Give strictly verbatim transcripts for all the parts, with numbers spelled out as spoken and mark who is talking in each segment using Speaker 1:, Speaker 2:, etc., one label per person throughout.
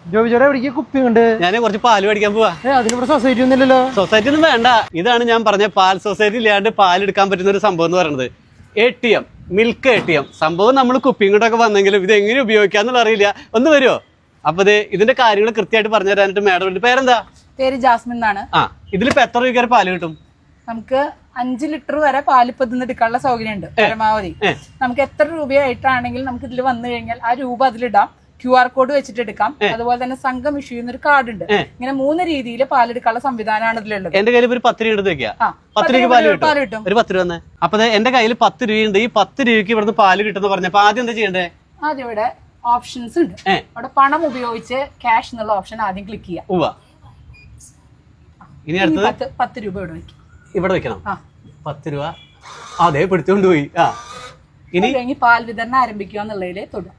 Speaker 1: ജോബിച്ചോടെ എവിടേക്ക് കുപ്പി ഉണ്ട്?
Speaker 2: ഞാൻ കുറച്ച് പാല് മേടിക്കാൻ പോവാ.
Speaker 1: അതിനിവിടെ സൊസൈറ്റി ഒന്നുമില്ലല്ലോ.
Speaker 2: സൊസൈറ്റി ഒന്നും വേണ്ട. ഇതാണ് ഞാൻ പറഞ്ഞ പാൽ സൊസൈറ്റി ഇല്ലാണ്ട് പാൽ എടുക്കാൻ പറ്റുന്ന ഒരു സംഭവം എന്ന് പറയുന്നത്. A T M, milk A T M സംഭവം. നമ്മൾ കുപ്പിയും കൊണ്ടൊക്കെ വന്നെങ്കിലും ഇത് എങ്ങനെ ഉപയോഗിക്കാന്നുള്ള അറിയില്ല. ഒന്ന് വരുമോ? അപ്പൊ ഇത് ഇതിന്റെ കാര്യങ്ങൾ കൃത്യമായിട്ട് പറഞ്ഞു തരാനായിട്ട് മാഡം. പേരെന്താ?
Speaker 3: പേര് ജാസ്മിൻ എന്നാണ്.
Speaker 2: ആ, ഇതിലിപ്പോ എത്ര രൂപ പാല് കിട്ടും?
Speaker 3: നമുക്ക് അഞ്ച് ലിറ്റർ വരെ പാല് ഇപ്പൊ ഇതിന്ന് എടുക്കാനുള്ള സൗകര്യം ഉണ്ട് പരമാവധി. നമുക്ക് എത്ര രൂപയായിട്ടാണെങ്കിൽ നമുക്ക് ഇതിൽ വന്നു കഴിഞ്ഞാൽ ആ രൂപ അതിലിടാം. ക്യു ആർ കോഡ് വെച്ചിട്ട് എടുക്കാം. അതുപോലെ തന്നെ സംഘം ഇഷ്യൂ ചെയ്യുന്ന ഒരു കാർഡ് ഉണ്ട്. ഇങ്ങനെ മൂന്ന് രീതിയിൽ പാലെടുക്കാനുള്ള സംവിധാനമാണ് ഇതിലുള്ളത്.
Speaker 2: എന്റെ കയ്യിൽ ഒരു പത്ത് രൂപ വെക്കാം. പത്ത് രൂപ പാല് കിട്ടും. ഒരു പത്ത് രൂപ തന്നെ. അപ്പൊ എന്റെ കയ്യിൽ പത്ത് രൂപയുണ്ട്. ഈ പത്ത് രൂപയ്ക്ക് ഇവിടുന്ന് പാല് കിട്ടുന്ന പറഞ്ഞപ്പോ ആദ്യം എന്താ ചെയ്യണ്ടേ?
Speaker 3: ആദ്യം ഇവിടെ ഓപ്ഷൻസ് ഉണ്ട്. അവിടെ പണം ഉപയോഗിച്ച് ക്യാഷ് എന്നുള്ള ഓപ്ഷൻ ആദ്യം ക്ലിക്ക് ചെയ്യാം.
Speaker 2: ഉവ്വ. ഇനി അടുത്തത്
Speaker 3: പത്ത് രൂപ ഇവിടെ വെക്കും.
Speaker 2: ഇവിടെ വെക്കണം. പത്ത് രൂപ അതെ പിടിച്ചോണ്ട് പോയി. ആ, ഇനി
Speaker 3: കഴിഞ്ഞ് പാൽ വിതരണം ആരംഭിക്കുക എന്നുള്ളതിൽ തൊടും.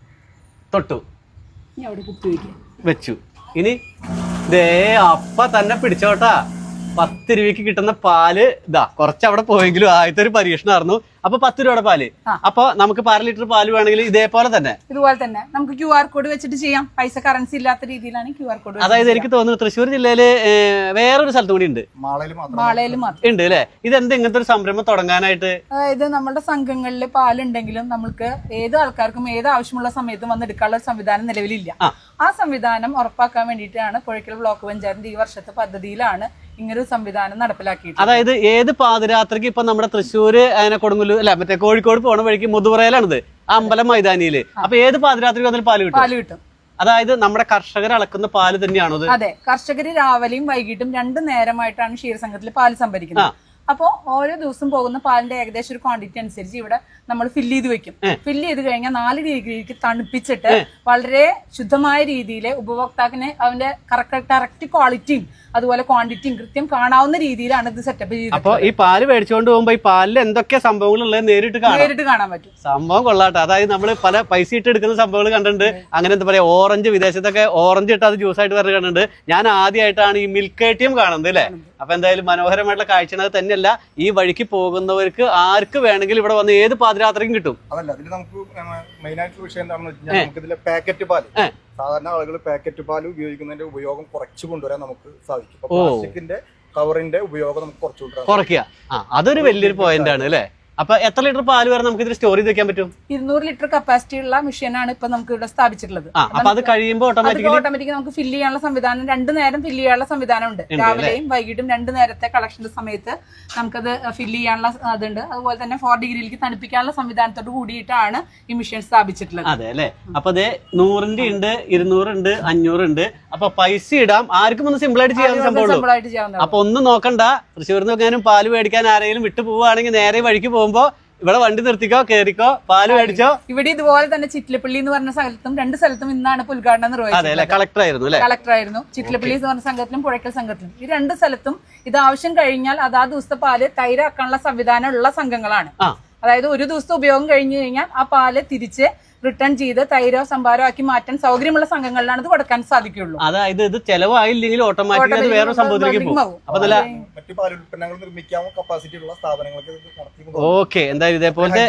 Speaker 2: തൊട്ടു.
Speaker 3: ഇനി അവിടെ കുപ്പി വയ്ക്കുക.
Speaker 2: വെച്ചു. ഇനി ദേ അപ്പ തന്നെ പിടിച്ചോട്ടാ. പത്ത് രൂപയ്ക്ക് കിട്ടുന്ന പാല് ഇതാ. കുറച്ച് അവിടെ പോയെങ്കിലും ആദ്യത്തെ ഒരു പരീക്ഷണമായിരുന്നു. അപ്പൊ പത്ത് രൂപയുടെ പാല്. അപ്പൊ നമുക്ക് അര ലിറ്റർ പാല് വേണമെങ്കിൽ ഇതേപോലെ തന്നെ
Speaker 3: ഇതുപോലെ തന്നെ നമുക്ക് ക്യു ആർ കോഡ് വെച്ചിട്ട് ചെയ്യാം. പൈസ കറൻസി ഇല്ലാത്ത രീതിയിലാണ് ക്യു ആർ കോഡ്.
Speaker 2: അതായത് എനിക്ക് തോന്നുന്നു തൃശ്ശൂർ ജില്ലയില് വേറൊരു സ്ഥലത്തും കൂടി ഉണ്ട്.
Speaker 3: മാളയിൽ മാത്രം
Speaker 2: ഉണ്ട് അല്ലെ? ഇതെന്ത് ഇങ്ങനത്തെ ഒരു സംരംഭം തുടങ്ങാനായിട്ട്?
Speaker 3: അതായത് നമ്മുടെ സംഘങ്ങളിൽ പാലുണ്ടെങ്കിലും നമുക്ക് ഏത് ആൾക്കാർക്കും ഏത് ആവശ്യമുള്ള സമയത്തും വന്ന് എടുക്കാനുള്ള ഒരു സംവിധാനം നിലവിലില്ല. ആ സംവിധാനം ഉറപ്പാക്കാൻ വേണ്ടിയിട്ടാണ് പുഴയ്ക്കൽ ബ്ലോക്ക് പഞ്ചായത്തിന്റെ ഈ വർഷത്തെ പദ്ധതിയിലാണ് ഇങ്ങനൊരു സംവിധാനം നടപ്പിലാക്കിയിട്ട്.
Speaker 2: അതായത് ഏത് പാതിരാത്രിക്ക് ഇപ്പൊ നമ്മുടെ തൃശ്ശൂര് അതിനെ കൊടുങ്ങല്ലൂർ അല്ല മറ്റേ കോഴിക്കോട് പോണ വഴിക്ക് മുതുവറയിലാണിത്, അമ്പലം മൈതാനിയില്. അപ്പൊ ഏത് പാതിരാത്രിക്ക് വന്നാലും പാല് കിട്ടും.
Speaker 3: പാല് കിട്ടും.
Speaker 2: അതായത് നമ്മുടെ കർഷകർ അളക്കുന്ന പാല് തന്നെയാണോ?
Speaker 3: അതെ, കർഷകര് രാവിലെയും വൈകിട്ടും രണ്ടു നേരമായിട്ടാണ് ക്ഷീരസംഘത്തിൽ പാല് സംഭരിക്കുന്നത്. അപ്പോ ഓരോ ദിവസം പോകുന്ന പാലിന്റെ ഏകദേശം ഒരു ക്വാണ്ടിറ്റി അനുസരിച്ച് ഇവിടെ നമ്മൾ ഫില്ല് ചെയ്ത് വെക്കും. ഫില്ല് ചെയ്ത് കഴിഞ്ഞാൽ നാല് ഡിഗ്രിക്ക് തണുപ്പിച്ചിട്ട് വളരെ ശുദ്ധമായ രീതിയിൽ ഉപഭോക്താവിന് അവന്റെ കറക്റ്റ് ക്വാളിറ്റിയും അതുപോലെ ക്വാണ്ടിറ്റിയും കൃത്യം കാണാവുന്ന രീതിയിലാണ് ഇത് സെറ്റപ്പ് ചെയ്തത്.
Speaker 2: അപ്പൊ ഈ പാല് മേടിച്ചുകൊണ്ട് പോകുമ്പോ ഈ പാലിൽ എന്തൊക്കെ സംഭവങ്ങൾ ഉള്ളത് നേരിട്ട്
Speaker 3: നേരിട്ട് കാണാൻ പറ്റും.
Speaker 2: സംഭവം കൊള്ളാട്ടെ. അതായത് നമ്മൾ പല പൈസ ഇട്ട് എടുക്കുന്ന സംഭവങ്ങൾ കണ്ടിട്ടുണ്ട്. അങ്ങനെ എന്താ പറയാ, ഓറഞ്ച് വിദേശത്തൊക്കെ ഓറഞ്ച് ഇട്ട് അത് ജ്യൂസ് ആയിട്ട് പറഞ്ഞ് കണ്ടിട്ടുണ്ട്. ഞാൻ ആദ്യമായിട്ടാണ് ഈ മിൽക്ക് എ ടി എം കാണുന്നത് അല്ലേ. അപ്പൊ എന്തായാലും മനോഹരമായിട്ടുള്ള കാഴ്ചയാണ്. തന്നെയല്ല ഈ വഴിക്ക് പോകുന്നവർക്ക് ആർക്ക് വേണമെങ്കിലും ഇവിടെ വന്ന് ഏത് പാതിരാത്രിക്കും കിട്ടും.
Speaker 4: അതല്ല, അതിൽ നമുക്ക് മെയിൻ ആയിട്ടുള്ള വിഷയം എന്താണെന്ന് വെച്ചാൽ നമുക്ക് ഇതിലെ പാക്കറ്റ് പാല്, സാധാരണ ആളുകൾ പാക്കറ്റ് പാല് ഉപയോഗിക്കുന്നതിന്റെ ഉപയോഗം കുറച്ച് കൊണ്ടുവരാൻ നമുക്ക് സാധിക്കും. പ്ലാസ്റ്റിക്കിന്റെ കവറിന്റെ ഉപയോഗം നമുക്ക് കുറച്ച് കൊണ്ടുവരാൻ
Speaker 2: കുറയ്ക്കുക. അതൊരു വലിയൊരു പോയിന്റ് ആണ് അല്ലേ. അപ്പൊ എത്ര ലിറ്റർ പാല് വരെ നമുക്ക് ഇതിൽ സ്റ്റോർ ചെയ്ത് വെക്കാൻ പറ്റും?
Speaker 3: ഇരുന്നൂറ് ലിറ്റർ കപ്പാസിറ്റി ഉള്ള മെഷീനാണ് ഇപ്പൊ നമുക്ക് ഇവിടെ സ്ഥാപിച്ചിട്ടുള്ളത്.
Speaker 2: അപ്പൊ അത് കഴിയുമ്പോൾ ഓട്ടോമാറ്റിക്കലി
Speaker 3: നമുക്ക് ഫില്ല് ചെയ്യാനുള്ള സംവിധാനം, രണ്ടു നേരം ഫില്ല് ചെയ്യാനുള്ള സംവിധാനം ഉണ്ട്. രാവിലെയും വൈകിട്ടും രണ്ടു നേരത്തെ കളക്ഷന്റെ സമയത്ത് നമുക്കത് ഫില്ല് ചെയ്യാനുള്ള അതുണ്ട്. അതുപോലെ തന്നെ ഫോർ ഡിഗ്രിയിലേക്ക് തണുപ്പിക്കാനുള്ള സംവിധാനത്തോട് കൂടിയിട്ടാണ് ഈ മെഷീൻ സ്ഥാപിച്ചിട്ടുള്ളത്.
Speaker 2: അതെ അല്ലെ. അപ്പൊ അതെ നൂറിന്റെ ഉണ്ട്, ഇരുന്നൂറുണ്ട്, അഞ്ഞൂറുണ്ട്. അപ്പൊ പൈസ ഇടാം. ആർക്കും ഒന്ന് സിമ്പിൾ ആയിട്ട് ചെയ്യാൻ സംഭവം. അപ്പൊ ഒന്നും നോക്കണ്ട. തൃശ്ശൂരിൽ നിന്ന് പാല് മേടിക്കാൻ ആരെങ്കിലും വിട്ടു പോവുകയാണെങ്കിൽ നേരെ വഴിക്ക് പോകുമ്പോ ഇവിടെ വണ്ടി നിർത്തിക്കോ, കേറിക്കോ, പാല് മേടിച്ചോ.
Speaker 3: ഇവിടെ ഇതുപോലെ തന്നെ ചിറ്റിലപ്പള്ളി എന്ന് പറഞ്ഞ സ്ഥലത്തും രണ്ട് സ്ഥലത്തും ഇന്നാണ് ഉദ്ഘാടനം നിർവഹിച്ചത്.
Speaker 2: കളക്ടർ ആയിരുന്നു
Speaker 3: കളക്ടർ ആയിരുന്നു. ചിറ്റിലപ്പള്ളി എന്ന് പറഞ്ഞ സംഘത്തിലും പുഴയ്ക്കൽ സംഘത്തിലും ഈ രണ്ട് സ്ഥലത്തും ഇത് ആവശ്യം കഴിഞ്ഞാൽ അതാ ദിവസത്തെ പാല് തൈരാക്കാനുള്ള സംവിധാനം ഉള്ള സംഘങ്ങളാണ്. അതായത് ഒരു ദിവസത്തെ ഉപയോഗം കഴിഞ്ഞു കഴിഞ്ഞാൽ ആ പാല് തിരിച്ച് റിട്ടേൺ ചെയ്ത് തൈരോ സംഭാരോ ആക്കി മാറ്റാൻ സൗകര്യമുള്ള സംഘങ്ങളിലാണ് ഇത് കൊടുക്കാൻ സാധിക്കുള്ളൂ.
Speaker 2: അതായത് ഇത് ചെലവായില്ലെങ്കിൽ ഓട്ടോമാറ്റിക്കലി വേറെ സംഭവത്തിലേക്ക് പോകും.
Speaker 4: മറ്റു പാൽ ഉൽപ്പന്നങ്ങൾ നിർമ്മിക്കാവുന്ന കപ്പാസിറ്റി ഉള്ള സ്ഥാപനങ്ങൾക്ക്.
Speaker 2: ഓക്കെ, എന്തായാലും ഇതേപോലത്തെ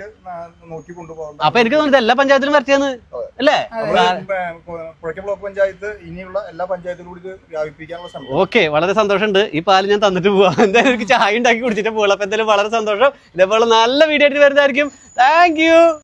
Speaker 4: നോക്കി കൊണ്ടുപോകും.
Speaker 2: അപ്പൊ എനിക്ക് തോന്നുന്നത് എല്ലാ പഞ്ചായത്തിലും വരച്ചെന്ന് അല്ലേ.
Speaker 4: പുഴയ്ക്കൽ ബ്ലോക്ക് പഞ്ചായത്ത് ഇനിയുള്ള എല്ലാ പഞ്ചായത്തിലും കൂടി വ്യാപിപ്പിക്കാനുള്ള സംഭവം.
Speaker 2: ഓക്കെ, വളരെ സന്തോഷമുണ്ട്. ഈ പാല് ഞാൻ തന്നിട്ട് പോവാം. എന്തായാലും എനിക്ക് ചായ ഉണ്ടാക്കി കുടിച്ചിട്ട് പോകാം. അപ്പൊ എന്തായാലും വളരെ സന്തോഷം. ഇതേപോലെ നല്ല വീഡിയോ ആയിട്ട് വരുന്നതായിരിക്കും. Thank U.